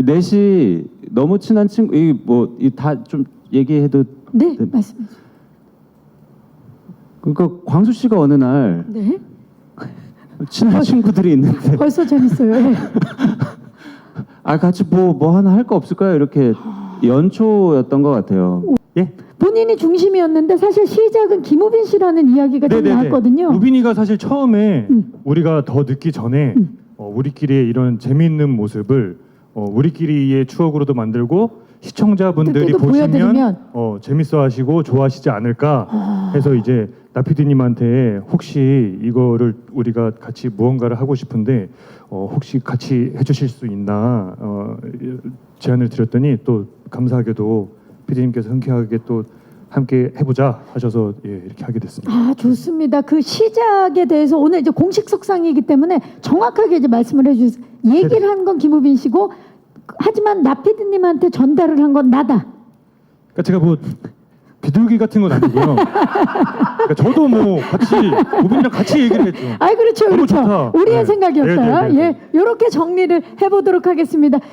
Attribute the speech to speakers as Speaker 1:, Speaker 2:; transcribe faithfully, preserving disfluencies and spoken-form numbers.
Speaker 1: 이 넷이 너무 친한 친구, 이뭐다 좀 얘기해도
Speaker 2: 네,
Speaker 1: 네.
Speaker 2: 말씀해 주세요.
Speaker 1: 그러니까 광수 씨가 어느 날
Speaker 2: 네.
Speaker 1: 친한 친구들이 있는데
Speaker 2: 벌써 재밌어요. 예.
Speaker 1: 아 같이 뭐 뭐 하나 할 거 없을까요? 이렇게 연초였던 것 같아요.
Speaker 3: 예?
Speaker 2: 본인이 중심이었는데 사실 시작은 김우빈 씨라는 이야기가 좀
Speaker 3: 네네네.
Speaker 2: 나왔거든요.
Speaker 3: 우빈이가 사실 처음에
Speaker 2: 음.
Speaker 3: 우리가 더 늦기 전에
Speaker 2: 음.
Speaker 3: 어, 우리끼리의 이런 재미있는 모습을 어, 우리끼리의 추억으로도 만들고 시청자분들이
Speaker 2: 그때도
Speaker 3: 보시면
Speaker 2: 보여드리면.
Speaker 3: 어, 재밌어하시고 좋아하시지 않을까
Speaker 2: 아.
Speaker 3: 해서 이제 나피디님한테 혹시 이거를 우리가 같이 무언가를 하고 싶은데 어, 혹시 같이 해주실 수 있나 어, 제안을 드렸더니 또 감사하게도 피디님께서 흔쾌하게 또 함께 해보자 하셔서 예, 이렇게 하게 됐습니다.
Speaker 2: 아, 좋습니다. 그 시작에 대해서 오늘 이제 공식 석상이기 때문에 정확하게 이제 말씀을 해주세요. 얘기를 한 건 김우빈 씨고, 하지만 나 피디님한테 전달을 한 건 나다.
Speaker 3: 그러니까 제가 뭐 비둘기 같은 건 아니고요. 그러니까 저도 뭐 같이 우빈이랑 같이 얘기를 했죠.
Speaker 2: 아, 그렇죠,
Speaker 3: 너무
Speaker 2: 그렇죠.
Speaker 3: 좋다.
Speaker 2: 우리의
Speaker 3: 네.
Speaker 2: 생각이었다.
Speaker 3: 네, 네, 네, 네.
Speaker 2: 예, 이렇게 정리를 해보도록 하겠습니다.